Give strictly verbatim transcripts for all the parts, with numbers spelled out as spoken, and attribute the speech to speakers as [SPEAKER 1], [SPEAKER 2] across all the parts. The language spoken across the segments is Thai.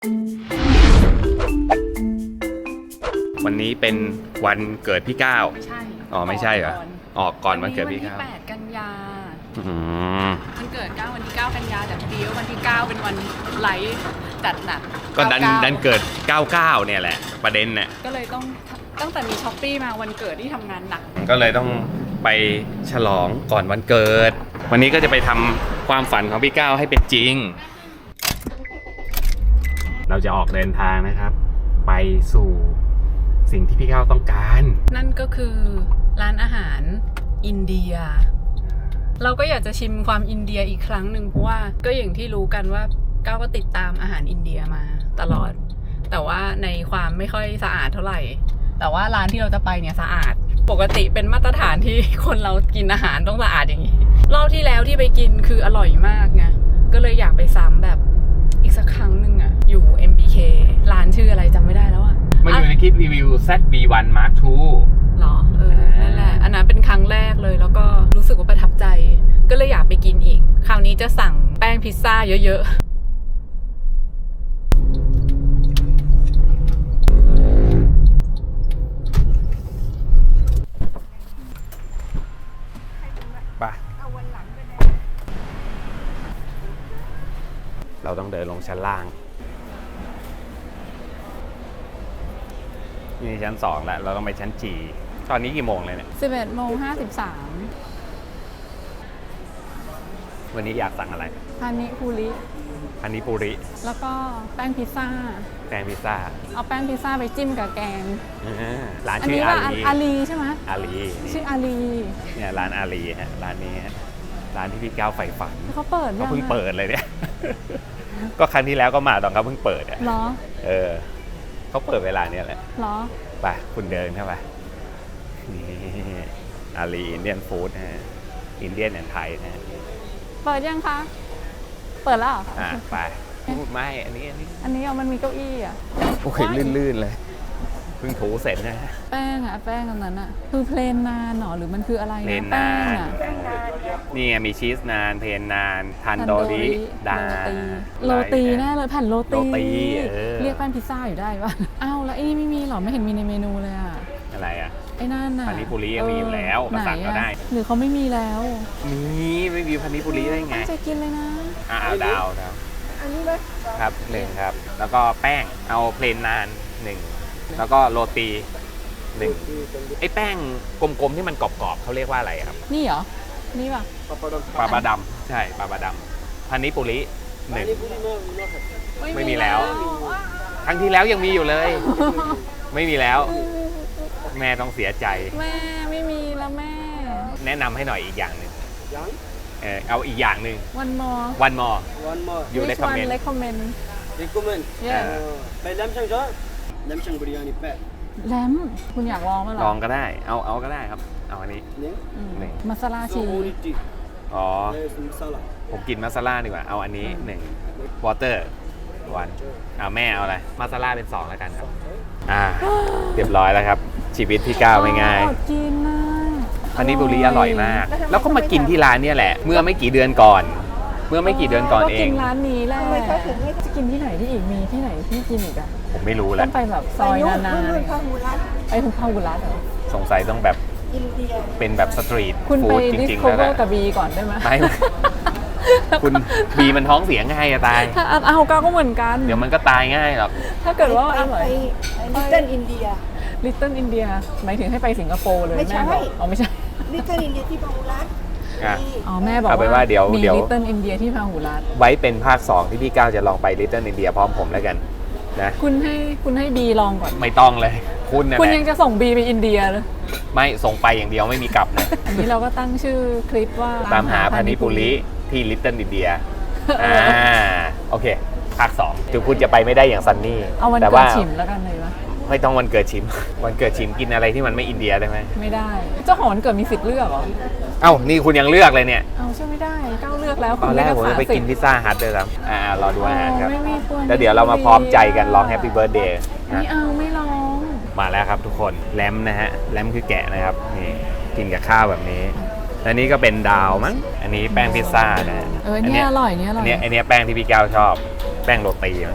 [SPEAKER 1] วันนี้เป็นวันเกิดพี่ก้าว
[SPEAKER 2] ใช่
[SPEAKER 1] อ๋อไม่ใช่เหรอออกก่อนวันเกิดพี่ก้าว
[SPEAKER 2] วันที่แปดกันยา
[SPEAKER 1] อืม
[SPEAKER 2] วันเกิดก้าววันที่เก้ากันยาแต่พอดีว่าวันที่เก้าเป็นวันไลฟ์จัดหนัก
[SPEAKER 1] ก็ดันดันเกิดเก้าสิบเก้าเนี่ยแหละประเด็นเนี่ย
[SPEAKER 2] ก็เลยต้องตั้งแต่มีช้อปปี้มาวันเกิดที่ทำงานหนัก
[SPEAKER 1] ก็เลยต้องไปฉลองก่อนวันเกิดวันนี้ก็จะไปทำความฝันของพี่ก้าวให้เป็นจริงเราจะออกเดินทางนะครับไปสู่สิ่งที่พี่ก้าวต้องการ
[SPEAKER 2] นั่นก็คือร้านอาหารอินเดียเราก็อยากจะชิมความอินเดียอีกครั้งหนึ่งเพราะว่าก็อย่างที่รู้กันว่าก้าวก็ติดตามอาหารอินเดียมาตลอดแต่ว่าในความไม่ค่อยสะอาดเท่าไหร่แต่ว่าร้านที่เราจะไปเนี่ยสะอาดปกติเป็นมาตรฐานที่คนเรากินอาหารต้องสะอาดอย่างนี้รอบที่แล้วที่ไปกินคืออร่อยมากไงก็เลยอยากไปซ้ำแบบอีกสักครั้งหนึ่งอะอยู่ เอ็ม บี เค ร้านชื่ออะไรจำไม่ได้แล้วอะ
[SPEAKER 1] มาอยู่ในคลิปรีวิว แซด บี วัน มาร์ค ทู
[SPEAKER 2] หรอเออนั่นแหละอันนั้นเป็นครั้งแรกเลยแล้วก็รู้สึกว่าประทับใจก็เลยอยากไปกินอีกคราวนี้จะสั่งแป้งพิซซ่าเยอะ
[SPEAKER 1] ๆไปเราต้องเดินลงชั้นล่างนี่ชั้นสองแล้วเราต้องไปชั้นจีตอนนี้กี่โมงเลยเนี่ย
[SPEAKER 2] สิบเอ็ดโมงห้าสิบสาม
[SPEAKER 1] วันนี้อยากสั่งอะไร
[SPEAKER 2] พานิพูริ
[SPEAKER 1] พานิปุริ
[SPEAKER 2] แล้วก็แป้งพิซซ่า
[SPEAKER 1] แป้งพิซซ่า
[SPEAKER 2] เอาแป้งพิซซ่าไปจิ้มกับแกง
[SPEAKER 1] ร้านชื่ออาลี
[SPEAKER 2] อาลีใช่ไหม
[SPEAKER 1] อาลี
[SPEAKER 2] ชื่ออาลี
[SPEAKER 1] เนี่ยร้านอาลีฮะร้านนี้ฮะร้านที่พี่ก้าวใฝ่ฝัน
[SPEAKER 2] เขาเปิด
[SPEAKER 1] ก็เพิ่งเปิดเลยเนี่ยก็ครั้งที่แล้วก็มาตอนเขาเพิ่งเปิดอ่ะ
[SPEAKER 2] เหรอ
[SPEAKER 1] เออเขาเปิดเวลาเนี้ยแหละ
[SPEAKER 2] เหรอ
[SPEAKER 1] ไปคุณเดินเข้าไปนี่อาลีอินเดียนฟู้ดนะฮะอินเดียนแอนด์ไทยนะ
[SPEAKER 2] เปิดยังคะเปิดแล้ว
[SPEAKER 1] อ่ะไปไม่อันนี้อันนี้
[SPEAKER 2] อันนี้เอามันมีเก้าอี้อ่ะ
[SPEAKER 1] โอ้ยลื่นๆเลยเพิ่งถูเสร็จนะ
[SPEAKER 2] แป้งอ่ะแป้งอันนั้นอ่ะคือเพลนนานหรอหรือมันคืออะไรนะแป้งอ่ะ
[SPEAKER 1] นี่มีชีสนานเพลนนานทันโดริดา
[SPEAKER 2] โรตีแน่เลยแผ่นโรตีเรียกแป้งพิซซ่าอยู่ได้ป่ะอ้าวแล้วไอ้นี่ไม่มีหรอไม่เห็นมีในเมนูเลยอ่ะ
[SPEAKER 1] อะไรอ่ะ
[SPEAKER 2] ไอ้นั่นน่ะ
[SPEAKER 1] พานิปุริมีอยู่แล้วมาสั่งก็ได้
[SPEAKER 2] หรือเขาไม่มีแล้ว
[SPEAKER 1] มีไม่มีพานิปุริได้ไง
[SPEAKER 2] จะกินเลยนะ
[SPEAKER 1] อ่าดาวดาวอันนี้เลยครับหนึ่งครับแล้วก็แป้งเอาเพลนนานหนึ่งแล้วก็โรตีหนึ่งไอ้แป้งกลมๆที่มันกรอบๆเขาเรียกว่าอะไรครับ
[SPEAKER 2] นี่เหรอนี่ป่ะ
[SPEAKER 1] ปลาบาดำใช่ปลาบาดำพานิปุริหนึ่งไม่มีแล้วครั้งที่แล้วยังมีอยู่เลยไม่มีแล้วแม่ต้องเสียใจ
[SPEAKER 2] แม่ไม่มีแล้วแม่
[SPEAKER 1] แนะนำให้หน่อยอีกอย่างหนึ่งเออเอาอีกอย่างหนึ่ง
[SPEAKER 2] one more
[SPEAKER 1] one more
[SPEAKER 3] one more
[SPEAKER 1] you recommend
[SPEAKER 2] recommend
[SPEAKER 3] recommend yeahไปแลมช่างจ้ะแลมช่างบริยานิแปะ
[SPEAKER 2] แลมคุณอยากลองมั้ยหรอ
[SPEAKER 1] ลองก็ได้เอาเอาก็ได้ครับเอาอันนี้
[SPEAKER 2] นี่มัสลาชี
[SPEAKER 1] อ๋อผมกินมัสลาดีกว่าเอาอันนี้หนึ่งวอเตอร์วันเอาแม่เอาอะไรมัสลาเป็นสองแล้วกันครับอ่าเรียบร้อยแล้วครับชีวิตพี่ก้าวไม่ง่าย
[SPEAKER 2] กินนะ
[SPEAKER 1] พานิปุริอร่อยมากแล้วก็มากินที่ร้านเนี่ยแหละเมื่อไม่กี่เดือนก่อนเมื่อไม่กี่เดือนก่อนเอง
[SPEAKER 2] ก็กินร้านนี้แหละจะกินที่ไหนที่อีกมีที่ไหนที่กินอีกอ่ะ
[SPEAKER 1] ผมไม่รู้แหละ
[SPEAKER 2] ต้องไปแบบซอยนานๆไปหุบพาหุรัตเหรอ
[SPEAKER 1] สงสัยต้องแบบเป็นแบบสตรีทฟู้ดจริงๆ
[SPEAKER 2] แล้วแหละคุณไปดิสโคเวอร์กับบีก่อนได้ไหม
[SPEAKER 1] ไม่คุณบีมันท้องเสียง่ายอะตาย
[SPEAKER 2] ถ้าเอาก้าก็เหมือนกัน
[SPEAKER 1] เดี๋ยวมันก็ตายง่ายหรอก
[SPEAKER 2] ถ้าเกิดว่าอร่อย
[SPEAKER 3] ลิตเติ้ลอินเดีย
[SPEAKER 2] ลิตเติ้ลอินเดียหมายถึงให้ไปสิงคโปร์เลยแม่บอกอ๋อไม่ใช่
[SPEAKER 3] ลิตเติ้ลอินเดียที่พาหุรัต
[SPEAKER 2] อ๋อแม่บอกว่า
[SPEAKER 1] เดี๋ยว
[SPEAKER 2] มีลิตเติ้ลอินเดียที่พาหุรัต
[SPEAKER 1] ไว้เป็นภาคสองที่พี่ก้าวจะลองไปลิตเติ้ลอินเดียพร้อมผมแล้วกันนะ
[SPEAKER 2] คุณให้คุณให้บีลองก่อน
[SPEAKER 1] ไม่ต้องเลยคุณนะ
[SPEAKER 2] คุณยังจะส่งบีไปอินเดียเลย
[SPEAKER 1] ไม่ส่งไปอย่างเดียวไม่มีกลับนะ
[SPEAKER 2] อันนี้เราก็ตั้งชื่อคลิปว่า
[SPEAKER 1] ตามหาพานิปุริที่ลิตเติ้ลอินเดียอ่าโอเคภาคสองถึงคุณจะไปไม่ได้อย่างซันนี่
[SPEAKER 2] เอาวันเกิดชิมแล้วกันเลยวะ
[SPEAKER 1] ไม่ต้องวันเกิดชิมวันเกิดชิมกินอะไรที่มันไม่อินเดียได้ไหม
[SPEAKER 2] ไม่ได้เจ้าของวันเกิดมีสิทธิ์เลือกเหรอ
[SPEAKER 1] เอ้านี่คุณยังเลือกเลยเนี่ย
[SPEAKER 2] เอาใช่ไม่ได้ก้าวเลือกแล้ว
[SPEAKER 1] ตอนแรกผมจะไปกินพิซซ่าฮัทเลยครับอ่ารอดูอาหารครับแล้วเดี๋ยวเรามาพร้อมใจกันร้องแฮปปี้เบิร์ธเดย์
[SPEAKER 2] ไม่เอาไม่ร้อง
[SPEAKER 1] มาแล้วครับทุกคนแลมนะฮะแลมคือแกะนะครับนี่กินกับข้าวแบบนี้อันนี้ก็เป็นดาวมั้งอันนี้แป้งพิซซ่านะ
[SPEAKER 2] เออเนี่ยอร่อยเนี่ยอร่อย
[SPEAKER 1] อันนี้อันนี้แป้งที่พี่ก้าวชอบแป้งโรตีมั้ง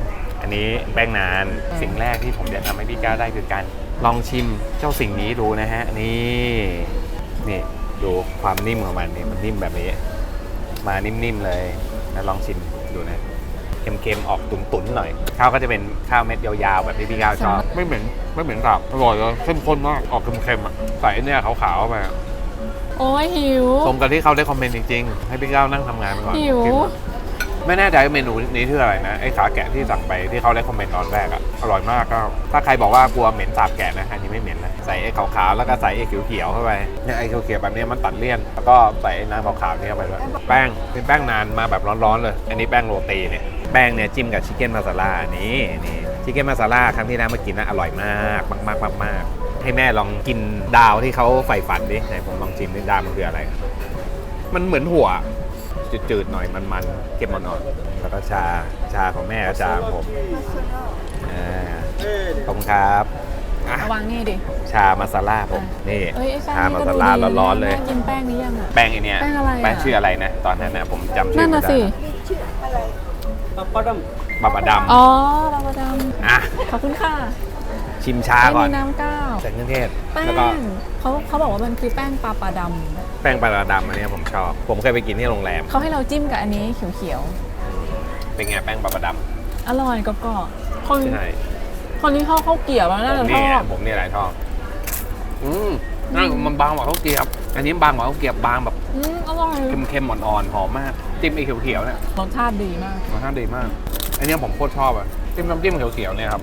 [SPEAKER 1] อันนี้แป้งนานสิ่งแรกที่ผมจะทำให้พี่ก้าวได้คือการลองชิมเจ้าสิ่งนี้ดูนะฮะนี่นี่ดูความนิ่มของมันนี่มันนิ่มแบบนี้มานิ่มๆเลยนะลองชิมดูนะเค็มๆออกตุ๋นๆหน่อยข้าวก็จะเป็นข้าวเม็ดยาวๆแบบที่พี่ก้าวชอบไม่เหม็นไม่เหม็นสาบอร่อยเลยเข้มข้นมากออกเค็มๆอ่ะใส่เนี่ยขาวๆไป
[SPEAKER 2] โอ้ยหิว
[SPEAKER 1] สมกับที่เขาได้คอมเมนต์จริงๆ ให้พี่ก้าวนั่งทำงานไปก่อน
[SPEAKER 2] หิว
[SPEAKER 1] กินไม่แน่ใจว่าเมนูนี้ชื่ออะไรนะไอ้ขาแกะที่สั่งไปที่เขาได้คอมเมนต์ตอนแรกอะอร่อยมากก็ถ้าใครบอกว่ากลัวเหม็นสาบแกะนะอันนี้ไม่เหม็นนะใส่ไอ้ขาวๆแล้วก็ใส่ไอ้เขียวๆเข้าไปเนี่ยไอ้เขียวๆแบบนี้มันตัดเลี่ยนแล้วก็ใส่ไอ้น้ำขาวๆนี่เข้าไปด้วยแป้งเป็นแป้งนานมาแบบร้อนๆเลยอันนี้แป้งโรตีเนี่ยแป้งเนี่ยจิ้มกับชิคเก้นมาซาล่านี่นี่ชิคเก้นมาซาล่าครั้งที่แล้วมากินนะอร่อยมากมากๆมากๆให้แม่ลองกินดาวที่เขาใฝ่ฝันดิไหนผมลองชิมดิดาวมันคืออะไรมันเหมือนหัวจืดๆหน่อยมันๆเก็บอ่อนๆแล้วก็ชาชาของแม่กับชาของผมอ่าขอบคุณครับอ่ะ
[SPEAKER 2] ระวังนี่ดิ
[SPEAKER 1] ชามาซาล่าผมนี่
[SPEAKER 2] เอ้ยไอ้แป้ง
[SPEAKER 1] ชา
[SPEAKER 2] นี่
[SPEAKER 1] มา
[SPEAKER 2] ก็
[SPEAKER 1] ซา
[SPEAKER 2] ดู
[SPEAKER 1] ล่า
[SPEAKER 2] ดี
[SPEAKER 1] ร้อนๆเลย
[SPEAKER 2] แม่กินแป้งนี้ยังอ่ะ
[SPEAKER 1] แป้งไอเนี้ย
[SPEAKER 2] แป้งอะไรอะ
[SPEAKER 1] แป้งชื่ออะไรนะตอนนั้นนะผมจำชื่
[SPEAKER 2] นั่
[SPEAKER 1] อน ไม่
[SPEAKER 2] น่ะ
[SPEAKER 1] ได้
[SPEAKER 2] สิ
[SPEAKER 3] papadam
[SPEAKER 1] บาบาดำ
[SPEAKER 2] อ๋อเราประด
[SPEAKER 1] อ่ะ
[SPEAKER 2] ำขอบคุณค่ะ
[SPEAKER 1] ชิมชา
[SPEAKER 2] ไม่
[SPEAKER 1] ก่อ
[SPEAKER 2] มี
[SPEAKER 1] น
[SPEAKER 2] น้ำก้าว
[SPEAKER 1] ใส่เครื่องเทศ
[SPEAKER 2] แป้
[SPEAKER 1] แล้วก็
[SPEAKER 2] งเขาเขาบอกว่ามันคือแป้งปลาปลาด
[SPEAKER 1] แป้งปลาดำอันเนี้ยผมชอบ ผมเคยไปกินที่โรงแรม
[SPEAKER 2] ำเขาให้เราจิ้มกับอันนี้เขียว
[SPEAKER 1] เป็นไงแป้งปลาด
[SPEAKER 2] ๆ อร่อยกรอบๆคน
[SPEAKER 1] ำใช่
[SPEAKER 2] คนที่ชอบข้าวเกรี๊ยวแล้วน่า
[SPEAKER 1] ผ
[SPEAKER 2] จะ
[SPEAKER 1] ม
[SPEAKER 2] ช
[SPEAKER 1] นี่
[SPEAKER 2] อบ
[SPEAKER 1] ผมนี่แหละชอบอืมนั่นมันบางกว่าข้าวเกรี๊ยวอันนี้บางกว่าข้าวเกรี๊ยวบางแบบ
[SPEAKER 2] อืมอร่อย
[SPEAKER 1] เค็มๆอ่อนๆหอมมากจิ้มไอ้เขียวๆเนี่ย
[SPEAKER 2] รสชาติดีมาก
[SPEAKER 1] รสชาติดีมากอันเนี้ยผมโคตรชอบอ่ะจิ้มน้ำจิ้มเขียวๆเนี่ยครับ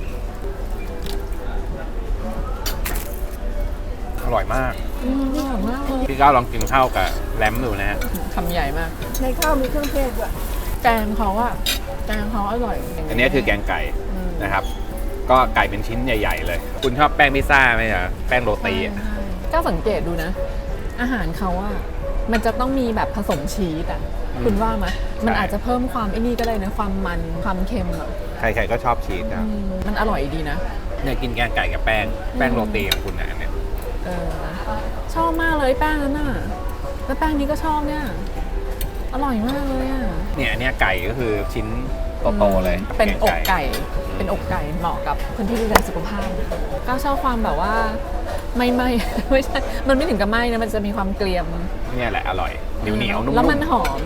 [SPEAKER 1] อร่อยมาก
[SPEAKER 2] อืมอร่อยมากเลย
[SPEAKER 1] พี่ก้าวลองกินข้าวกับแรมดูนะฮะ
[SPEAKER 2] คำใหญ่มาก
[SPEAKER 3] ในข้าวมีเครื่องเทศด้วย
[SPEAKER 2] แกงเขาอะแกงเขาอร่อย
[SPEAKER 1] อันนี้คือแกงไก่
[SPEAKER 2] อืม
[SPEAKER 1] นะครับ ก็ไก่เป็นชิ้นใหญ่ ๆ เลย คุณชอบแป้งพิซซ่าไหมอ่ะแป้งโรตีอะ
[SPEAKER 2] ใช่ก็สังเกตดูนะ อาหารเขาอะมันจะต้องมีแบบผสมชีสอะคุณว่าไหมมันอาจจะเพิ่มความไอ้นี่ก็ได้นะความมันความเค็มอะ
[SPEAKER 1] ใครๆก็ชอบชีสนะ
[SPEAKER 2] อืมมันอร่อยดีนะ
[SPEAKER 1] เนี่ยกินแกงไก่กับแป้งแป้งโรตีของคุณนะอันเนี่ย
[SPEAKER 2] เออชอบมากเลยแป้งนั้นน่ะแล้วแป้งนี้ก็ชอบเนี่ย อร่อยมากเลยอ่ะ
[SPEAKER 1] เนี่ยอันเนี้ยไก่ก็คือชิ้นโตๆเลย
[SPEAKER 2] เป็นอก
[SPEAKER 1] แง
[SPEAKER 2] ไก่ เป็นอกไก่เหมาะกับคนที่ดูแลสุขภาพก็ชอบความแบบว่าไม่ไหม ไม่ใช่ มันไม่ถึงกับไหมนะ มันจะมีความเกรียม
[SPEAKER 1] เนี่ยแหละอร่อยเหนียวเหนียวๆนุ่มๆ
[SPEAKER 2] แล้วมันหอม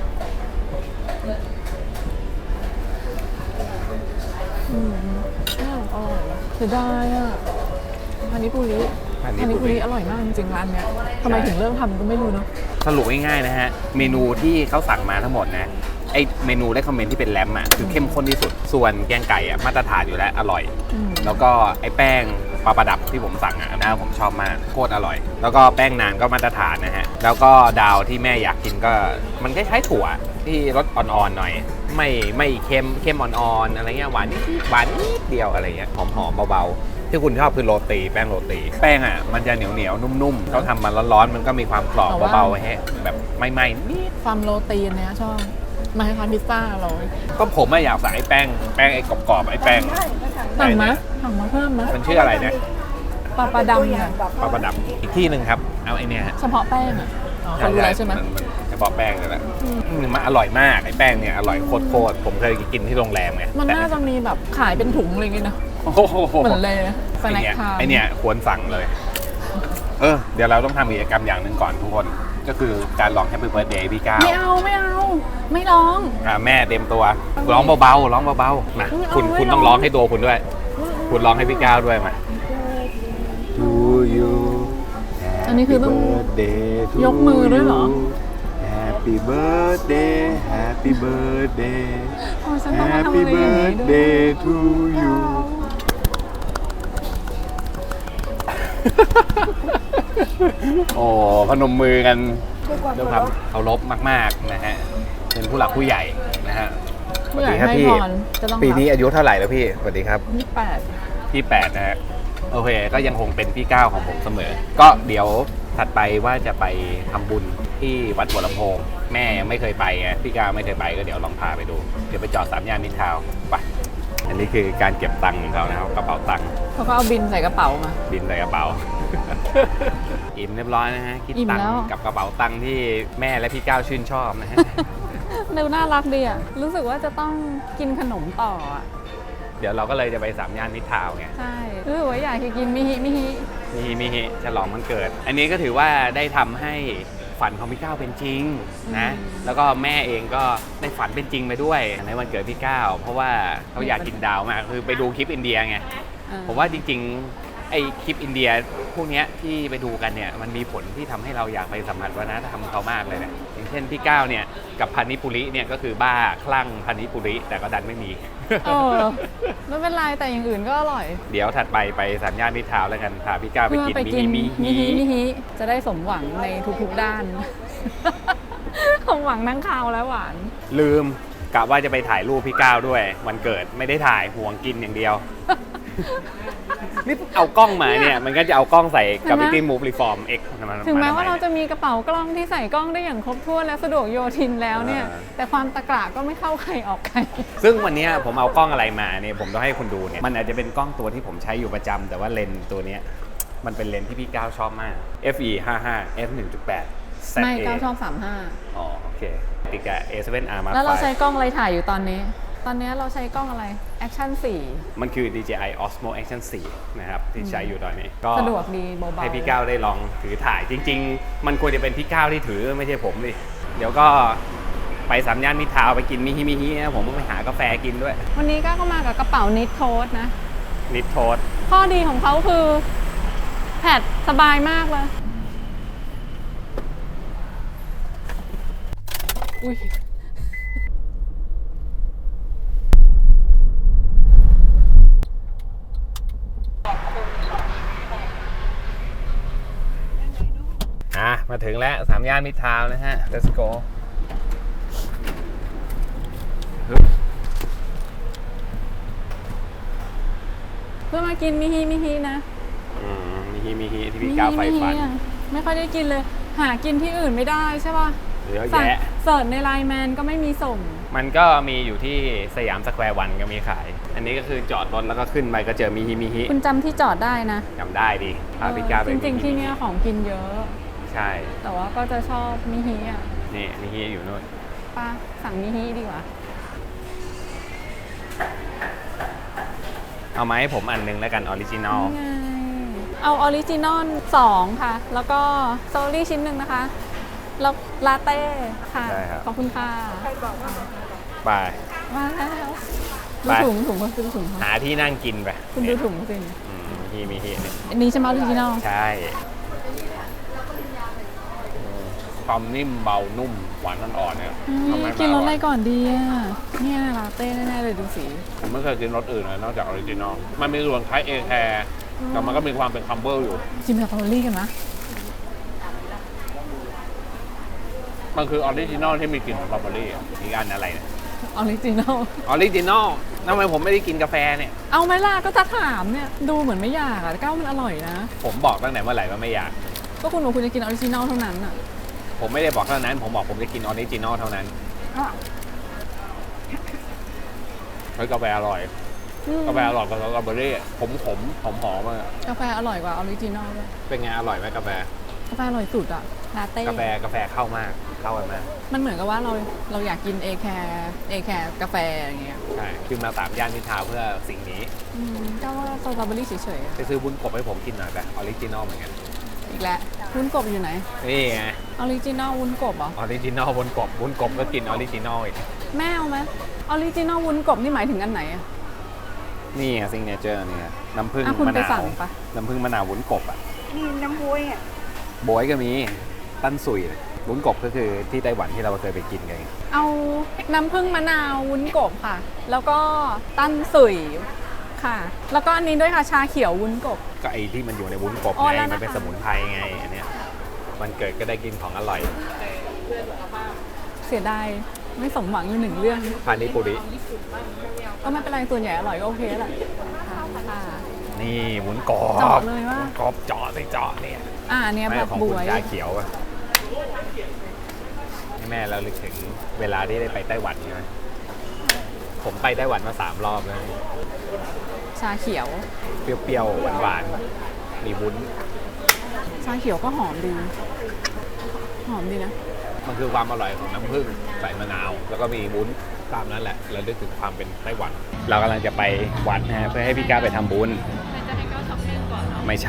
[SPEAKER 2] อืมอ้าวอร่อยเสียดายอ่ะพานิปุริ
[SPEAKER 1] อัน
[SPEAKER 2] พานิ
[SPEAKER 1] นี้
[SPEAKER 2] ปุริอร่อยมากจริงๆร้านเนี้ยทำไมถึงเริ่มทำก็ไม่รู้เนาะ
[SPEAKER 1] สรุปง่ายๆนะฮะ เมนูที่เขาสั่งมาทั้งหมดนะไอเมนูได้คอมเมนต์ที่เป็นแรมอ่ะคือเข้มข้นที่สุด ส่วนแกงไก่อ่ะมาตรฐานอยู่แล้วอร่อย
[SPEAKER 2] อืม
[SPEAKER 1] แล้วก็ไอ้แป้งปลาประดับที่ผมสั่งอ่ะนะผมชอบมากโคตรอร่อย แล้วก็แป้งนานก็มาตรฐานนะฮะแล้วก็ดาวที่แม่อยากกินก็มันคล้ายๆถั่วที่รสอ่อนๆหน่อย ไม่ไม่เค็มเค็มอ่อนๆอะไรเงี้ยหวานนิดหวานนิดเดียวอะไรเงี้ยหอมๆเบาๆที่คุณชอบคือโรตีแป้งโรตีแป้งอ่ะมันจะเหนียวเหนียวๆนุ่มๆเขาทำมาร้อนๆมันก็มีความกรอบเบาๆแฮะแบบไม่ไหม้นิด
[SPEAKER 2] ความโรตีอันเนี้ยชอบมาให้ทานพิซซ่าเรา
[SPEAKER 1] ก็ผมอะอยากใส่ไอ้แป้งแป้งไอ้กรอบๆไอ้แป้ง
[SPEAKER 2] สั่งมะสั่งมาเพิ่มมะ
[SPEAKER 1] มันชื่ออะไรเนี่ย
[SPEAKER 2] ปลาปลาดำเนี่ย
[SPEAKER 1] ปลาประดับอีกที่หนึ่งครับเอาไอ้เนี่ยฮะ
[SPEAKER 2] เฉพาะแป้งอ่ะอ๋อเขารู้แล้วใช่ไหม
[SPEAKER 1] นนเฉพาะแป้งนี่แหละอืมมันอร่อยมากไอ้แป้งเนี่ยอร่อยโคตรๆผมเคยกินที่โรงแรมไง
[SPEAKER 2] มัน
[SPEAKER 1] แต่
[SPEAKER 2] น่าจะมีแบบขายเป็นถุงอะไรอย่างเงี้ยนะ
[SPEAKER 1] โอ้โห
[SPEAKER 2] เหมือนเลยนะส
[SPEAKER 1] ไอ
[SPEAKER 2] แน็ค
[SPEAKER 1] เนี่ย
[SPEAKER 2] ทาม
[SPEAKER 1] ไอเนี่ยควรสั่งเลย เออเดี๋ยวเราต้องทำกิจกรรมอย่างหนึ่งก่อนทุกคนก็คือการลอง Happy Birthday พี่ก้าว
[SPEAKER 2] ไม่เอาไม่เอา ไม่ร้อง
[SPEAKER 1] อ่าแม่เต็มตัวร้องเบาๆร้องเบาๆมา
[SPEAKER 2] ไม่เอา
[SPEAKER 1] คุณ
[SPEAKER 2] ไม่
[SPEAKER 1] คุณ
[SPEAKER 2] ร้อง
[SPEAKER 1] ต้องร้องให้ตัวคุณด้วย คุณร้องให้พี่ก้าวด้วยมา To you
[SPEAKER 2] อันนี้คือต้อง
[SPEAKER 1] birthday to
[SPEAKER 2] ยกมือด้วยเหรอ
[SPEAKER 1] Happy birthday Happy birthday
[SPEAKER 2] โอ้ยฉันต้องมาทำ
[SPEAKER 1] Happy
[SPEAKER 2] อะไรอย่างนี้ด้วย
[SPEAKER 1] birthday to you โอ้พนมมือกันด้วยความเคารพมากๆนะฮะเป็นผู้หลักผู้ใหญ่นะฮะ
[SPEAKER 2] ผู้ใหญ่
[SPEAKER 1] สวัสดีครับ
[SPEAKER 2] ให้
[SPEAKER 1] พี่
[SPEAKER 2] พรจะต้อง
[SPEAKER 1] ปีนี้อายุเท่าไหร่แล้วพี่สวัสดีครับ
[SPEAKER 2] ยี่สิบแปด
[SPEAKER 1] พี่แปดนะฮะโอเคก็ยังคงเป็นพี่ก้าวของผมเสมอ ก็เดี๋ยวถัดไปว่าจะไปทำบุญที่วัดหัวลำโพง แม่ยังไม่เคยไปไงพี่ก้าวไม่เคยไปก็เดี๋ยวลองพาไปดู เดี๋ยวไปจอดสามย่านมิตรทาวน์ไปอันนี้คือการเก็บตังค์ของเขานะครับกระเป๋าตังค์
[SPEAKER 2] เขาก็เอาบินใส่กระเป๋ามา
[SPEAKER 1] บินใส่กระเป๋า อิ่มเรียบร้อยนะฮะคิด
[SPEAKER 2] อิ่ม
[SPEAKER 1] ตัง
[SPEAKER 2] แล้
[SPEAKER 1] ค์
[SPEAKER 2] ว
[SPEAKER 1] กับกระเป๋าตังค์ที่แม่และพี่ก้าวชื่นชอบนะฮะ
[SPEAKER 2] ดูน่ารักดีอ่ะ รู้สึกว่าจะต้องกินขนมต่ออ่ะ
[SPEAKER 1] เดี๋ยวเราก็เลยจะไปสามย่านมิตรทาวน์ไง
[SPEAKER 2] ใช่เออว่าอยากกินมิฮิมิฮิ
[SPEAKER 1] มีฮิมีฮิฉลองวันเกิด อันนี้ก็ถือว่าได้ทำให้ฝันของพี่ก้าวเป็นจริงนะ แล้วก็แม่เองก็ได้ฝันเป็นจริงไปด้วยในวันเกิดพี่ก้าวเพราะว่าเขาอยากกินดาวมากคือไปดูคลิปอินเดียไง
[SPEAKER 2] เออ
[SPEAKER 1] ผมว่าจริงๆไอคลิปอินเดียพวกเนี้ยที่ไปดูกันเนี่ยมันมีผลที่ทำให้เราอยากไปสัมผัสวัฒนธรรมเขามากเลยเนี่ยอย่างเช่นพี่ก้าวเนี่ยกับพานิปุริเนี่ยก็คือบ้าคลั่งพานิปุริแต่ก็ดันไม่มี
[SPEAKER 2] เออไม่เป็นไรแต่อย่างอื่นก็อร่อย
[SPEAKER 1] เดี๋ยวถัดไปไปสามย่านมิตรทาวน์แล้วกันพาพี่ก้าวไป
[SPEAKER 2] เพื่อ
[SPEAKER 1] กิน
[SPEAKER 2] ไป
[SPEAKER 1] มิ
[SPEAKER 2] กิน
[SPEAKER 1] ฮิ
[SPEAKER 2] มิ
[SPEAKER 1] มิ
[SPEAKER 2] ฮิ
[SPEAKER 1] ฮิ
[SPEAKER 2] มิฮิจะได้สมหวังในทุกๆด้าน สมหวังทั้งคาวและหวาน
[SPEAKER 1] ลืมกะว่าจะไปถ่ายรูปพี่ก้าวด้วยวันเกิดไม่ได้ถ่ายห่วงกินอย่างเดียว นี่เอากล้องมาเนี่ยมันก็จะเอากล้องใส่กับ
[SPEAKER 2] เห็นไหม
[SPEAKER 1] Gravity Move Reform X มา
[SPEAKER 2] ถึงแม้ว่า
[SPEAKER 1] ทำไ
[SPEAKER 2] เราจะมีกระเป๋ากล้องที่ใส่กล้องได้อย่างครบถ้วนและสะดวกโยทินแล้วเนี่ย
[SPEAKER 1] อ่า
[SPEAKER 2] แต่ความตะกระก็ไม่เข้าใครออกใคร
[SPEAKER 1] ซึ่งวันเนี้ยผมเอากล้องอะไรมาเนี่ยผมต้องให้คุณดูเนี่ยมันอาจจะเป็นกล้องตัวที่ผมใช้อยู่ประจำแต่ว่าเลนส์ตัวเนี้ยมันเป็นเลนส์ที่พี่ก้าวชอบมาก เอฟ อี ห้าสิบห้า เอฟ หนึ่งจุดแปด
[SPEAKER 2] ไม่ ก้าวชอบสามห้า
[SPEAKER 1] อ๋อโอเคติดกับ เอ เซเว่น อาร์ Mark
[SPEAKER 2] แล้วเรา
[SPEAKER 1] ไฟ
[SPEAKER 2] ใช้กล้องอะไรถ่ายอยู่ตอนนี้ ตอนนี้เราใช้กล้องอะไร Action สี่
[SPEAKER 1] มันคือ ดี เจ ไอ Osmo Action โฟร์ นะครับที่ใช้อยู่ตอนนี้ก็
[SPEAKER 2] สะดวกดีเบาๆ
[SPEAKER 1] ให้พี่ก้าวได้ลองถือถ่ายจริง ๆ มันควรจะเป็นพี่ก้าวที่ถือไม่ใช่ผมดิเดี๋ยวก็ไปสามย่านมิตรทาวน์ไปกินมิฮิมิฮินะผมก็ไปหากาแฟกินด้วย
[SPEAKER 2] วันนี้ก้าวก็มากับกระเป๋านิดโทสนะ
[SPEAKER 1] นิดโทษ
[SPEAKER 2] ข้อดีของเขาคือแผดสบายมากเลย อุ้ย
[SPEAKER 1] อ่ะมาถึงแล้วสามย่านมิตรทาวน์นะฮะ let's go
[SPEAKER 2] เพื่อมากินมิฮิมิฮินะ
[SPEAKER 1] อืมมิฮิมิฮิที่พี่ก้าวไฟฟัน
[SPEAKER 2] มิฮิมิฮิอะไม่ค่อยได้กินเลย หากินที่อื่นไม่ได้ใช่ป่ะ
[SPEAKER 1] เยอะ
[SPEAKER 2] สั่ง
[SPEAKER 1] แยะ
[SPEAKER 2] เสิร์ชในไลน์แมนก็ไม่มีส่ง
[SPEAKER 1] มันก็มีอยู่ที่สยามสแควร์วันก็มีขาย อันนี้ก็คือจอดรถแล้วก็ขึ้นไปก็เจอมิฮิมิฮิ
[SPEAKER 2] คุณจำที่จอดได้นะ
[SPEAKER 1] จำได้ดิพาพี่ก้าวไป
[SPEAKER 2] จริงๆ ที่เนี้ยของกินเยอะ
[SPEAKER 1] ใช่
[SPEAKER 2] แต่ว่าก็จะชอบมิฮิอ่ะ
[SPEAKER 1] นี่มิฮิอยู่นู่น
[SPEAKER 2] ป้าสั่งมิฮิดีกว่า
[SPEAKER 1] เอามาให้ผมอันนึงแล้วกันออริจินอล
[SPEAKER 2] นี่ไงเอาออริจินอลสองค่ะ แล้วก็โซลี่ชิ้นหนึ่งนะคะ แล้วลาเต้ค่ะ
[SPEAKER 1] ได้ครับ
[SPEAKER 2] ขอบคุณค่ะ
[SPEAKER 1] ไป
[SPEAKER 2] มาแล้วดู
[SPEAKER 1] ไป
[SPEAKER 2] ถุงถุงก็ซื้อถุงเขา
[SPEAKER 1] หาที่นั่งกินไป
[SPEAKER 2] คุณดูถุงสิ
[SPEAKER 1] อืมมิฮิมิฮิเนี่ย
[SPEAKER 2] อันนี้ใช่ไหมออริจินอล
[SPEAKER 1] ใช่ความนิ่มเบานุ่มหวานอ่อนๆเนี่ยทำให้
[SPEAKER 2] กินรสอะไร
[SPEAKER 1] มา
[SPEAKER 2] ก่อนดีอ่ะเนี่ยลาเต้แน่ๆเลยดูสี
[SPEAKER 1] ผมไม่เคยกินรสอื่นเลยนอกจากออริจินอล มันมีส่วนคล้ายเอแคร์แต่มันก็มีความเป็นคัมเบอร์อยู่
[SPEAKER 2] ชิมสตรอเบอรี่กันนะ
[SPEAKER 1] มันคือออริจินอลที่มีกลิ่นสตรอเบอรี่อะอีกอันอะไรเนี่ย
[SPEAKER 2] ออริจินอล
[SPEAKER 1] ออริจินอลทำไมผมไม่ได้กินกาแฟเนี่ย
[SPEAKER 2] เอาไหมล่ะก็จะถามเนี่ยดูเหมือนไม่อยากอ่ะแต่ก้าวมันอร่อยนะ
[SPEAKER 1] ผมบอกตั้งแต่เมื่อไหร่ว่าไม่อยาก
[SPEAKER 2] ก็คุณบอกคุณจะกินออริจินอลเท่านั้นอ่ะ
[SPEAKER 1] ผมไม่ได้บอกเท่านั้น ผมบอกผมจะกินออริจินอลเท่านั้นเฮ้ยกาแฟอร่อย
[SPEAKER 2] อืม
[SPEAKER 1] กาแฟอร่อยกับสตรอเบอรี่ขมขมหอมหอมๆอะ
[SPEAKER 2] กาแฟอร่อยกว่าออริจินอลด้วย
[SPEAKER 1] เป็นไงอร่อยไหมกาแฟ
[SPEAKER 2] กาแฟอร่อยสุดอ่ะลาเต้
[SPEAKER 1] กาแฟกาแฟเข้ามากเข้ากันมาก
[SPEAKER 2] มันเหมือนกับว่าเราเราอยากกินเอแคร์เอแคร์กาแฟอย่างเงี้ย
[SPEAKER 1] ใช่คือมาสามย่านมิตรทาวน์เพื่อสิ่งนี้
[SPEAKER 2] อืมก็ว่าสตรอเบอรี่เฉยๆอะ
[SPEAKER 1] ไปซื้อวุ้นกบให้ผมกินหน่อยไปออริจินอลเหมือนกัน
[SPEAKER 2] อีกแล้ววุ้นกบอยู่ไหน
[SPEAKER 1] นี่ไง
[SPEAKER 2] ออริจินอลวุ้นกบเหรอ
[SPEAKER 1] ออริจินอลวุ้นกบวุ้นกบก็กินออริจินอลอีก
[SPEAKER 2] แม่เอาไหมออริจินอลวุ้นกบนี่หมายถึงอันไหนอะ
[SPEAKER 1] นี่ซิงเนเจอร์เนี่ยน้ำผึ้ง
[SPEAKER 2] อ่ะคุณ
[SPEAKER 1] มะ
[SPEAKER 2] ไป
[SPEAKER 1] นา
[SPEAKER 2] สั่
[SPEAKER 1] ว
[SPEAKER 2] งปะ
[SPEAKER 1] น้ำผึ้งมะนาววุ้นกบอ่ะ
[SPEAKER 4] นี่น้ำบวยอ่ะ
[SPEAKER 1] โบยก็มีตั้นสุยวุ้นกบก็คือที่ไต้หวันที่เราเคยไปกินกัน
[SPEAKER 2] เอาน้ำผึ้งมะนาววุ้นกบค่ะ แล้วก็ตั้นสุยค่ะ แล้วก็อันนี้ด้วยค่ะชาเขียววุ้นกบ
[SPEAKER 1] ก็ไอที่มันอยู่ในวุ้นกบ
[SPEAKER 2] อ๋อ
[SPEAKER 1] ไง
[SPEAKER 2] แล้วนะคะ
[SPEAKER 1] มันเป็นสมุนไพรไงอันเนี้ยมันเกิดก็ได้กินของอร่อย
[SPEAKER 2] เสียดายไม่สมหวังอยู่หนึ่งเรื่อง
[SPEAKER 1] พานิปุริ
[SPEAKER 2] ก็ไม่เป็นไรส่วนใหญ่อร่อยก็โอเคแหละค่ะค่ะ
[SPEAKER 1] นี่วุ้นกบ
[SPEAKER 2] เจาะเลยว่า
[SPEAKER 1] วุ้นกบเจาะสิเจาะเนี่ย
[SPEAKER 2] อ่าอันเนี้ย
[SPEAKER 1] แม่
[SPEAKER 2] แบบ
[SPEAKER 1] ของ
[SPEAKER 2] บ
[SPEAKER 1] คุณ
[SPEAKER 2] วย
[SPEAKER 1] ชาเขียวอะให้แม่เราลึกถึงเวลาที่ได้ไปไต้หวันใช่ไหมผมไปไต้หวันมาสามรอบแล้ว
[SPEAKER 2] ชาเขียว
[SPEAKER 1] เปรี้ยวๆหวานๆมีวุ้น
[SPEAKER 2] ชาเขียวก็หอมดี หอมดีนะ
[SPEAKER 1] มันคือความอร่อยของน้ำผึ้งใส่มะนาว แล้วก็มีวุ้นตามนั้นแหละเราลึกถึงความเป็นไต้หวัน เรากำลังจะไปวัดนะฮะเพื่อให้พี่ก้าวไปทำบุญ
[SPEAKER 2] ไม่จะให้ก้าวช้อปปิ้งก่อนเนาะ
[SPEAKER 1] ไม่ใช่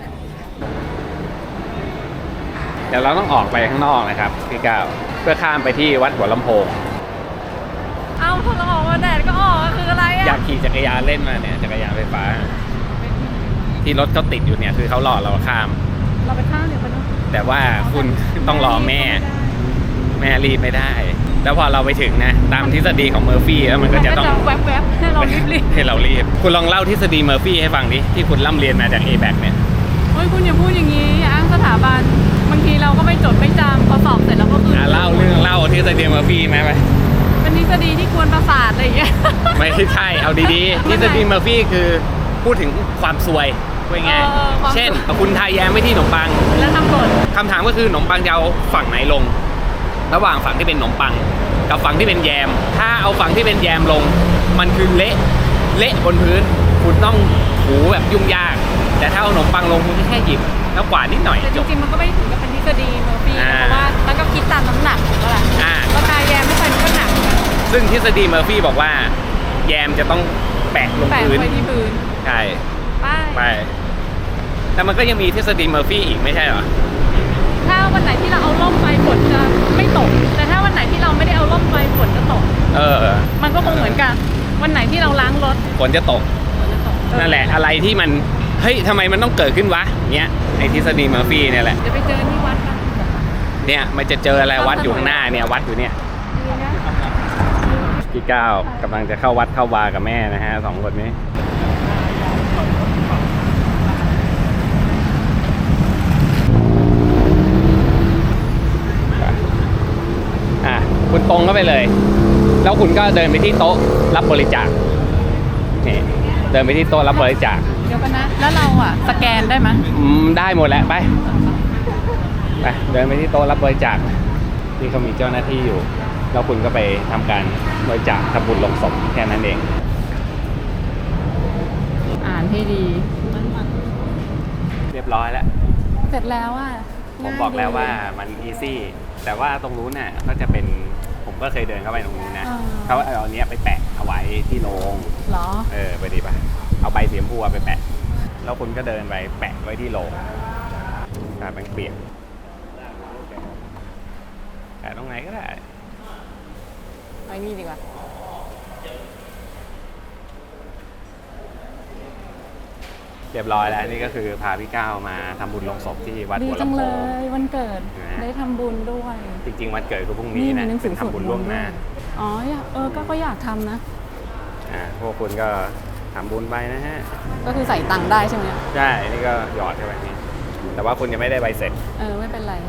[SPEAKER 1] เดี๋ยวเราต้องออกไปข้างนอกนะครับพี่ก้าวเพื่อข้ามไปที่วัดหัวลำโพง
[SPEAKER 2] เอ้าพอเราออกมาแดดก็ออกคืออะไร
[SPEAKER 1] อยา
[SPEAKER 2] อ่ะ
[SPEAKER 1] กขี่จักรยานเล่นมาเนี่ยจักรยานไฟฟ้า ที่รถเขาติดอยู่เนี่ยคือเขารอเราข้าม
[SPEAKER 2] เราไปข้างเดี๋ยวไปนู้น
[SPEAKER 1] แต่ว่าคุณต้องรอแม่ แม่รีบไม่ได้ แล้วพอเราไปถึงนะตามทฤษฎีของเมอร์ฟี่แล้วมันก็จะต้อง
[SPEAKER 2] แวบๆให้เรารีบรีบ
[SPEAKER 1] ให้เรารีบ คุณลองเล่าทฤษฎีเมอร์ฟี่ให้ฟังดิที่คุณร่ำเรียนมาจาก เอ แบค เนี่ย
[SPEAKER 2] เฮ้ยคุณอย่าพูดอย่างนี้อย่าอ้างสถาบันบางทีเราก็ไม่จดไม่จำพอสอบเสร็จแล้วก็คือ
[SPEAKER 1] อ่ะเล่าเรื่องเล่าทฤษฎีเมอร์ฟี่ไหมไป
[SPEAKER 2] เป็นทฤษฎีที่กวนประสาทอะไรอย่างเงี้ย
[SPEAKER 1] ไม่ใช่เอาดีๆทฤษฎีเมอร์ฟี่คือพูดถึงความซวยว่าไง
[SPEAKER 2] เออความ
[SPEAKER 1] เช่นคุณทาแยมไว้ที่ขนมปัง
[SPEAKER 2] แล้วทำหล่น
[SPEAKER 1] คำถามก็คือขนมปังจะเอาฝั่งไหนลง ระหว่างฝั่งที่เป็นขนมปัง กับฝั่งที่เป็นแยม ถ้าเอาฝั่งที่เป็นแยมลง มันคือเละเละบนพื้น คุณต้องถูแบบยุ่งยาก แต่ถ้าเอาขนมปังลงคุณก็แค่หยิบแล้วกวาดนิดหน่อย
[SPEAKER 2] แต่จ
[SPEAKER 1] จบ
[SPEAKER 2] ริงๆมันก็ไม่ถึงกับเป็นทฤษฎีเมอร์ฟี่
[SPEAKER 1] อ่า
[SPEAKER 2] เพราะว่ามันก็คิดตามน้ำหนักถูกปะล่ะ
[SPEAKER 1] อ่า
[SPEAKER 2] ราคาแยมไม่ใช่มันก็หนักนะ
[SPEAKER 1] ซึ่งทฤษฎีเมอร์ฟี่บอกว่า แยมจะต้องแปะลง
[SPEAKER 2] แปะ
[SPEAKER 1] พื้น
[SPEAKER 2] ไว้ที่พื้น
[SPEAKER 1] ใช่
[SPEAKER 2] ไป
[SPEAKER 1] ไปแต่มันก็ยังมีทฤษฎีเมอร์ฟี่อีกไม่ใช่เหรอ
[SPEAKER 2] ถ้าวันไหนที่เราเอาร่มไปฝนจะไม่ตก แต่ถ้าวันไหนที่เราไม่ได้เอาร่มไปฝนจะตก
[SPEAKER 1] เออ
[SPEAKER 2] มันก็คงเหมือนกัน วันไหนที่เราล้างรถ
[SPEAKER 1] ฝนจะตก
[SPEAKER 2] ฝนจะตก
[SPEAKER 1] นั่นแหละอะไรที่มันเฮ้ยทำไมมันต้องเกิดขึ้นวะเนี้ยไอทฤษฎีเมอร์ฟี่เนี่ยแหละ
[SPEAKER 2] เดี๋ยวไปเจอที่วัดกัน
[SPEAKER 1] เนี่ยมันจะเจออะไรวัดอยู่ข้างหน้าเนี่ยวัดอยู่เนี่ยพี่ก้าวกำลังจะเข้าวัดเข้าวากับแม่นะฮะสองคนนี้อ่ะคุณตรงเข้าไปเลย แล้วคุณก็เดินไปที่โต๊ะรับบริจาคนี่เดินไปที่โต๊ะรับบริจาค
[SPEAKER 2] เดี๋ยวกันนะ แล้วเราอ่ะสแกนได้ไหม
[SPEAKER 1] อืมได้หมดแหละไปไปเดินไปที่โต๊ะรับบริจาคที่เขามีเจ้าหน้าที่อยู่แล้วคุณก็ไปทำการบริจาคทำบุญลงศพแค่นั้นเอง
[SPEAKER 2] อ่านให้ดี
[SPEAKER 1] เรียบร้อยแล้ว
[SPEAKER 2] เสร็จแล้วอ่ะ
[SPEAKER 1] ผมบอกแล้วว่ามันอีซี่แต่ว่าตรงนู้นน่ะก็จะเป็นผมก็เคยเดินเข้าไปตรงนู้นนะเขาเอาอันเนี้ยไปแปะเอาไว้ที่โรง
[SPEAKER 2] เหรอ
[SPEAKER 1] เออไปดีป่ะเอาใบสีชมพูไปแปะแล้วคุณก็เดินไปแปะไว้ที่โรงตาแบงเปียกแปะตรงไหนก็ได้
[SPEAKER 2] ไปนี่ดีกว่า
[SPEAKER 1] เรียบร้อยแล้วนี่ก็คือพาพี่ก้าวมาทำบุญลงศพที่วัด
[SPEAKER 2] ดี
[SPEAKER 1] หัว
[SPEAKER 2] จัง
[SPEAKER 1] ลำโพ
[SPEAKER 2] เล
[SPEAKER 1] ง
[SPEAKER 2] ยวันเกิด
[SPEAKER 1] นะฮะ
[SPEAKER 2] ได้ทำบุญด้วย
[SPEAKER 1] จริงๆวันเกิดคือพรุ่งนี้นะ
[SPEAKER 2] มีหนังสื
[SPEAKER 1] เป็
[SPEAKER 2] อน สวด
[SPEAKER 1] ทำบุญล่วงหน้า
[SPEAKER 2] อ๋ออยากเออก็ก็อยากทำนะ
[SPEAKER 1] อ่าพวกคุณก็ทำบุญไปนะฮะ
[SPEAKER 2] ก็คือใส่ตังค์ได้ใช่ไหม
[SPEAKER 1] ใช่นี่ก็หยอดเข้าไปนี่แต่ว่าคุณยังไม่ได้ใบเสร็จ
[SPEAKER 2] เออไม่เป็นไร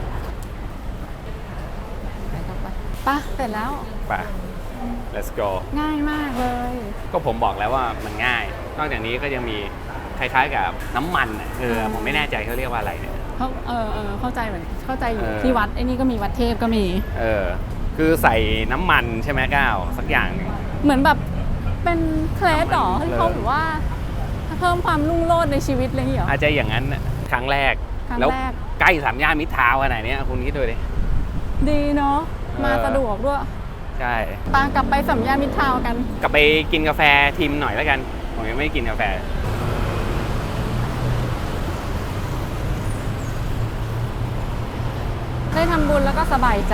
[SPEAKER 2] ไปต่อไปไป่ะเสร็จแล้ว
[SPEAKER 1] ไป let's go
[SPEAKER 2] ง่ายมากเลย
[SPEAKER 1] ก็ผมบอกแล้วว่ามันง่าย นอกจากนี้ก็ยังมีคล้ายๆกับน้ำมันอ่ะเออผมไม่แน่ใจเขาเรียกว่าอะไรเนี่ย
[SPEAKER 2] เขาเออเออเข้าใจเหมือนเข้าใจอยู่
[SPEAKER 1] เออ
[SPEAKER 2] ที่วัดไอ้นี่ก็มีวัดเทพก็มี
[SPEAKER 1] เออคือใส่น้ำมันใช่ไหมก้าวสักอย่างหนึ่ง
[SPEAKER 2] เหมือนแบบเป็นเคล็ดหรอ
[SPEAKER 1] น้ำมัน
[SPEAKER 2] ที่เขาบอกว่าเพิ่มความรุ่งโรจน์ในชีวิตอะไรอย่างเงี้ยเหรอ
[SPEAKER 1] อาจจะอย่างนั้นน่ะครั้งแรก
[SPEAKER 2] ครั้ง
[SPEAKER 1] แล้ว
[SPEAKER 2] แรก
[SPEAKER 1] ใกล้สามย่านมิตรทาวน์ขนาดเนี้ยคุณคิดดูดิ
[SPEAKER 2] ดีเนาะ
[SPEAKER 1] เออ
[SPEAKER 2] มาสะดวกด้วย
[SPEAKER 1] ใช่
[SPEAKER 2] ปากลับไปสัมยามิตรทาวน์กัน
[SPEAKER 1] กลับไปกินกาแฟทิมหน่อยแล้วกันผมยังไม่ได้กินกาแฟ
[SPEAKER 2] ได้ทำบุญแล้วก็สบายใจ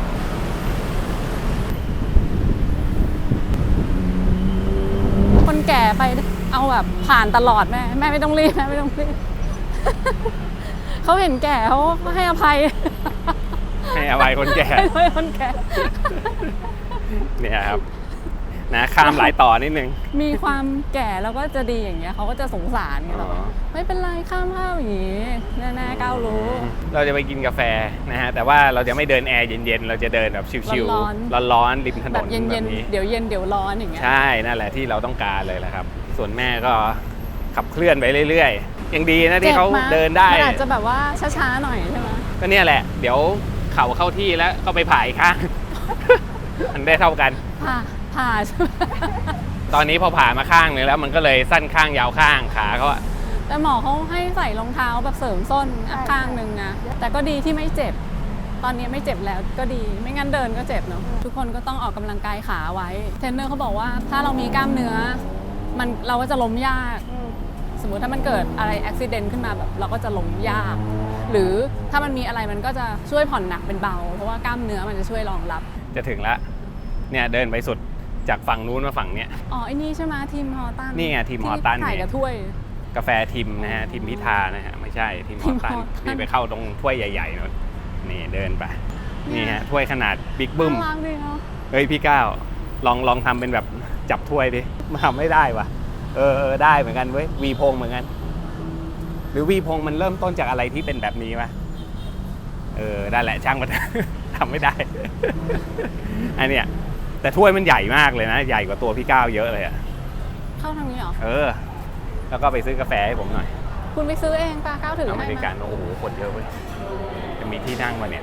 [SPEAKER 2] คนแก่ไปเอาแบบผ่านตลอดแม่แม่ไม่ต้องรีบแม่ไม่ต้องรีบ เขาเห็นแก่เขาให้อภัย
[SPEAKER 1] ให้อภัยคนแก่
[SPEAKER 2] ให้อภัยคนแก่
[SPEAKER 1] เนี่ยครับนะข้ามหลายต่อนิดนึง
[SPEAKER 2] มีความแก่แล้วก็จะดีอย่างเงี้ยเขาก็จะสงสารไงเรา
[SPEAKER 1] อ๋อ
[SPEAKER 2] ไม่เป็นไรข้ามข้าวอย่างงี้แน่ๆก้าวรู้
[SPEAKER 1] เราจะไปกินกาแฟนะฮะแต่ว่าเราจะไม่เดินแอร์เย็นๆเราจะเดินแบบชิว
[SPEAKER 2] ร้อน
[SPEAKER 1] ๆร้อนๆริมถน
[SPEAKER 2] แบบ
[SPEAKER 1] น
[SPEAKER 2] เย็น
[SPEAKER 1] แบบ
[SPEAKER 2] ๆ
[SPEAKER 1] นี้
[SPEAKER 2] เดี๋ยวเย็นเดี๋ยวร้อนอย่างเงี้ย
[SPEAKER 1] ใช่นั่นแหละที่เราต้องการเลยแหละครับ ส่วนแม่ก็ขับเคลื่อนไปเรื่อยๆยังดีนะที่เขา
[SPEAKER 2] จ็บมั้ย
[SPEAKER 1] เดินได้
[SPEAKER 2] มันอาจจะแบบว่าช้าๆหน่อยใช่ไหม
[SPEAKER 1] ก็เนี่ยแหละ เดี๋ยวเข่าเข้าที่แล้วก็ไปผ่าอีกข้าง มันได้เท่ากัน
[SPEAKER 2] ผ่าผ่าใช่ไหม
[SPEAKER 1] ตอนนี้พอผ่ามาข้างนึงแล้วมันก็เลยสั้นข้างยาวข้างขาเขาอะ
[SPEAKER 2] แต่หมอเขาให้ใส่รองเท้าแบบเสริมส้นข้างหนึ่งนะแต่ก็ดีที่ไม่เจ็บตอนนี้ไม่เจ็บแล้วก็ดีไม่งั้นเดินก็เจ็บเนาะทุกคนก็ต้องออกกำลังกายขาไว้เทรนเนอร์เขาบอกว่าถ้าเรามีกล้ามเนื้อมันเราก็จะล้มยากสมมุติถ้ามันเกิดอะไรอุบิเหตุขึ้นมาแบบเราก็จะล้มยากหรือถ้ามันมีอะไรมันก็จะช่วยผ่อนหนักเป็นเบาเพราะว่ากล้ามเนื้อมันจะช่วยรองรับ
[SPEAKER 1] จะถึงแล้วเนี่ยเดินไปสุดจากฝั่งนู้นมาฝั่งเนี้ย
[SPEAKER 2] อ๋อไอ้นี่ใช่ไหมทีมฮอตัน
[SPEAKER 1] นี่ไงทีมฮอตัน
[SPEAKER 2] ถ่ายกับถ้วย
[SPEAKER 1] กาแฟทีมนะฮะทีมพิธานะฮะไม่ใช่ทีมฮอตันนี่ไปเข้าตรงถ้วยใหญ่ๆนู่นนี่เดินไปนี่ฮะถ้วยขนาดบิ๊กบึ้มเฮ้ยพี่ก้าวลองลองทำเป็นแบบจับถ้วยดิมาทำไม่ได้วะเออเออได้เหมือนกันเว้ยวีพงเหมือนกันหรือวีพงมันเริ่มต้นจากอะไรที่เป็นแบบนี้วะเออได้แหละช่างมันทำไม่ได้อันเนี้ยแต่ถ้วยมันใหญ่มากเลยนะใหญ่กว่าตัวพี่ก้าวเยอะเลยอะ
[SPEAKER 2] เข้าทางนี้เหรอ
[SPEAKER 1] เออแล้วก็ไปซื้อกาแฟให้ผมหน่อย
[SPEAKER 2] คุณไปซื้อเองปะก้าวถือให้
[SPEAKER 1] มาอเมริกันโอ้โหคนเยอะเว้ยจะมีที่นั่งมาเนี่ย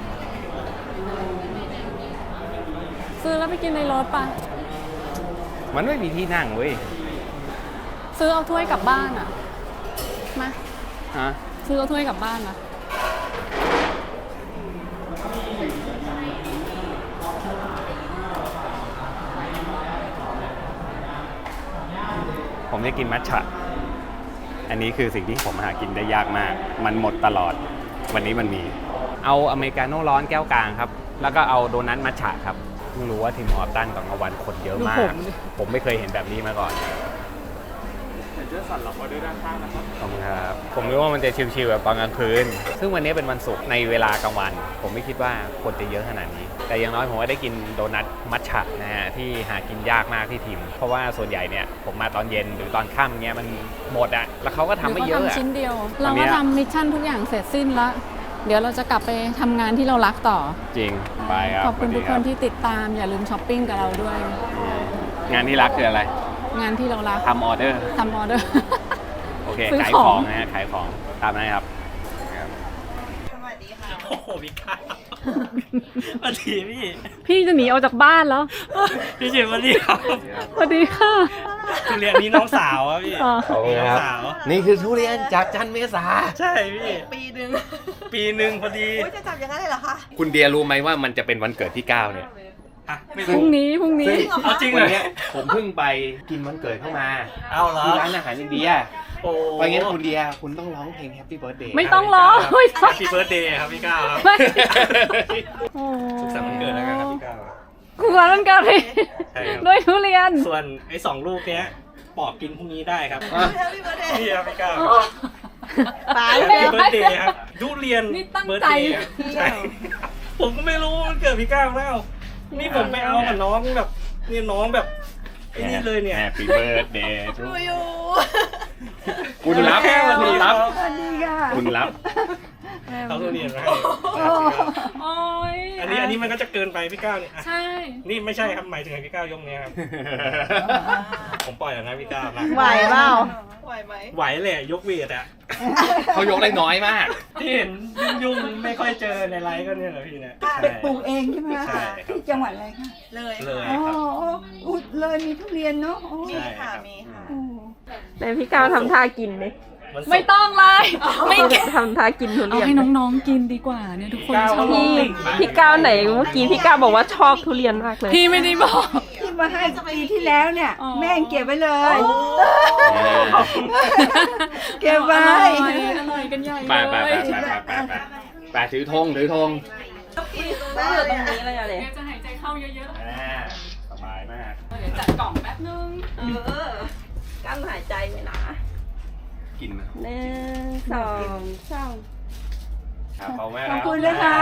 [SPEAKER 2] ซื้อแล้วไปกินในรถปะ
[SPEAKER 1] มันไม่มีที่นั่งเว้ย
[SPEAKER 2] ซื้อเอาถ้วยกลับบ้านอ่ะมา
[SPEAKER 1] ฮะ
[SPEAKER 2] ซื้อเอาถ้วยกลับบ้านนะ
[SPEAKER 1] ผมจะกินมัทฉะอันนี้คือสิ่งที่ผมหากินได้ยากมากมันหมดตลอดวันนี้มันมีเอาอเมริกาโน่ร้อนแก้วกลางครับแล้วก็เอาโดนัทมัทฉะครับเพิ่งรู้ว่าทีมฮอตันตอนกลางวันคนเยอะมากผมไม่เคยเห็นแบบนี้มาก่อนเจอสั่นเราออเดอร์ด้านข้างนะครับขอบคุณครับผมนึกว่ามันจะชิลๆแบบตอนกลางคืนซึ่งวันนี้เป็นวันศุกร์ในเวลากลางวันผมไม่คิดว่าคนจะเยอะขนาดนี้แต่อย่างน้อยผมก็ได้กินโดนัทมัทฉะนะฮะที่หากินยากมากที่ทีมเพราะว่าส่วนใหญ่เนี่ยผมมาตอนเย็นหรือตอนค่ำเงี้ยมันหมดอะแล้วเขาก็ทำไม่เยอะอะ
[SPEAKER 2] ชิ้นเดียวเราก็ทำมิชชั่นทุกอย่างเสร็จสิ้นแล้วเดี๋ยวเราจะกลับไปทำงานที่เรารักต่อ
[SPEAKER 1] จริงไปครับ
[SPEAKER 2] ขอบคุณทุกคนที่ติดตามอย่าลืมช้อปปิ้งกับเราด้วย
[SPEAKER 1] งานที่รักคืออะไร
[SPEAKER 2] งานที่เรารัก
[SPEAKER 1] ทำออเดอร์
[SPEAKER 2] ทำออเดอร์
[SPEAKER 1] โอเคขายของนะฮะขายของตามนั้นครับ
[SPEAKER 3] สวัสดีค่ะโอ้โหพี่ก้าวสวัสดีพี่
[SPEAKER 2] พี่จะหนีออกจากบ้านแล้ว
[SPEAKER 3] พี่เฉยสวัสดีครับ
[SPEAKER 2] สวัสดีค่ะ
[SPEAKER 3] ทุเรียนนี้น้องสาวอ่ะพี่
[SPEAKER 1] น้องสาวนี่คือทุเรียนจากจันเมษา
[SPEAKER 3] ใช่พี่
[SPEAKER 4] ปีหนึ่ง
[SPEAKER 3] ปีหนึ่งพอดี
[SPEAKER 4] จะจับอย่างนั้นเลยเหรอคะ
[SPEAKER 1] คุณเดียรู้ไหมว่ามันจะเป็นวันเกิดพี่ก้าวเนี่ย
[SPEAKER 2] พรุ่งนี้พรุ่งนี้
[SPEAKER 3] เอาจริงเหรอเนี่ย
[SPEAKER 1] ผมเพิ่งไปกินวันเกิดเข้ามา
[SPEAKER 3] เอาเหรอ
[SPEAKER 1] ร้านอาหารอินเดียโอ้ไปงั้นคุณเดียคุณต้องร้องเพลง Happy Birthday
[SPEAKER 2] ไม่ต้องร้อง
[SPEAKER 3] Happy Birthday ครับพี่ก้าวครับสุขสันต์วันเกิดแล้วกันครับพี่ก้าว
[SPEAKER 2] คุณวันเกิดพี่ด้วยทุเรียน
[SPEAKER 3] ส่วนไอ้สองลูกเนี้ยปอกกินพรุ่งนี้ได้ครับ
[SPEAKER 4] Happy Birthday
[SPEAKER 3] นี่ครับพี่ก้าว
[SPEAKER 2] ตาย
[SPEAKER 3] Happy Birthday ครับทุเรียนเบิร์ธเดย์ใช่ผมก็ไม่รู้มันเกิดพี่ก้าวแล้วนี่ผมไปเอากับน้องแบบนี่น้องแบบไอ้นี่เลยเนี่ย
[SPEAKER 1] Happy Birthday
[SPEAKER 4] ดูอยู่
[SPEAKER 1] คุณรับคุณรับคุณรับ
[SPEAKER 3] เขาตัวเรียนมา
[SPEAKER 2] โอ้ย
[SPEAKER 3] อันนี้อันนี้มันก็จะเกินไปพี่ก้าวเนี่ย
[SPEAKER 2] ใช่
[SPEAKER 3] นี่ไม่ใช่ครับหมายถึงพี่ก้าวยกเนี้ยครับผมปล่อยแล้วนะพี่ก้าวนะ
[SPEAKER 4] ไหวเปล่าไหวไหม
[SPEAKER 3] ไหวเลยยกเวทอ่ะ
[SPEAKER 1] เขายกได้น้อยมาก
[SPEAKER 3] ที่เห็นยุ่งๆไม่ค่อยเจอในไลฟ์ก็เนี่ยแหละพี่เนี่ย
[SPEAKER 4] ไปปลูกเองใช่ไหมคะที่จังหวัดอะไรคะ
[SPEAKER 3] เลยเลย
[SPEAKER 4] ครับอุดเลยมีทุเรียนเนาะ
[SPEAKER 3] มีค่ะมีค่ะ
[SPEAKER 2] แต่พี่ก้าวทำท่ากินเลยไม่ต้องเลยไม่ทำท่ากินทุเรียนเอาให้น้องๆกินดีกว่าเนี่ยทุกคนชอบ
[SPEAKER 5] พี่พี่ก้าวไหนเมื่อกี้พี่ก้าวบอกว่าชอบทุเรียนมากเลย
[SPEAKER 2] พี่ไม่ได้บอก
[SPEAKER 4] ที่มาให้ปีที่แล้วเนี่ยแม่เก็บไว้เลยเก็บไว้
[SPEAKER 2] อร่อยกันใหญ่
[SPEAKER 1] ไปไปไปไปไปไปถือธงถือธง
[SPEAKER 5] ได้อยู่ตรงนี้เลยอะไร
[SPEAKER 2] จะหายใจเข้าเยอะ
[SPEAKER 1] ๆสบายมาก
[SPEAKER 2] เดี๋ยวจัดกล่องแป๊บนึง
[SPEAKER 5] เออกั้นหายใจไว้นะ
[SPEAKER 1] กินมา
[SPEAKER 5] หนึ่งสองสาม
[SPEAKER 4] ขอบคุณนะคะ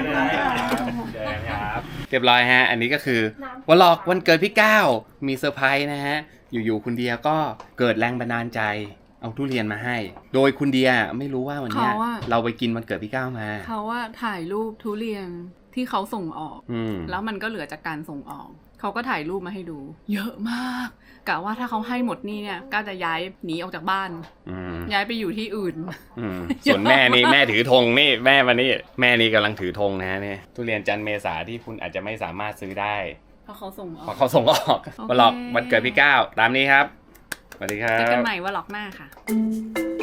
[SPEAKER 1] เรียบร้อยฮะอันนี้ก็คือวันหลอกวันเกิดพี่ก้าวมีเซอร์ไพรส์นะฮะอยู่ๆคุณเดียก็เกิดแรงบันดาลใจเอาทุเรียนมาให้โดยคุณเดียไม่รู้ว่าวันนี้เราไปกินวันเกิดพี่ก้าวมา
[SPEAKER 2] เขาว่าถ่ายรูปทุเรียนที่เขาส่งออกแล้วมันก็เหลือจากการส่งออกเขาก็ถ่ายรูปมาให้ดูเยอะมากกะว่าถ้าเขาให้หมดนี่เนี่ยก็จะย้ายหนีออกจากบ้านย้ายไปอยู่ที่อื่น
[SPEAKER 1] ส่วนแม่นี่แม่ถือธงนี่แม่มานี่แม่นี่กำลังถือธงนะเนี่ยทุเรียนจันเมษาที่คุณอาจจะไม่สามารถซื้อได้
[SPEAKER 2] เพราะเขาส่งออก
[SPEAKER 1] เพราะเขาส่งออกมาหลอกวันเกิดพี่ก้าวตามนี้ครับสวัสดีครับ
[SPEAKER 2] เจอกันใหม่วันหลอกหน้าค่ะ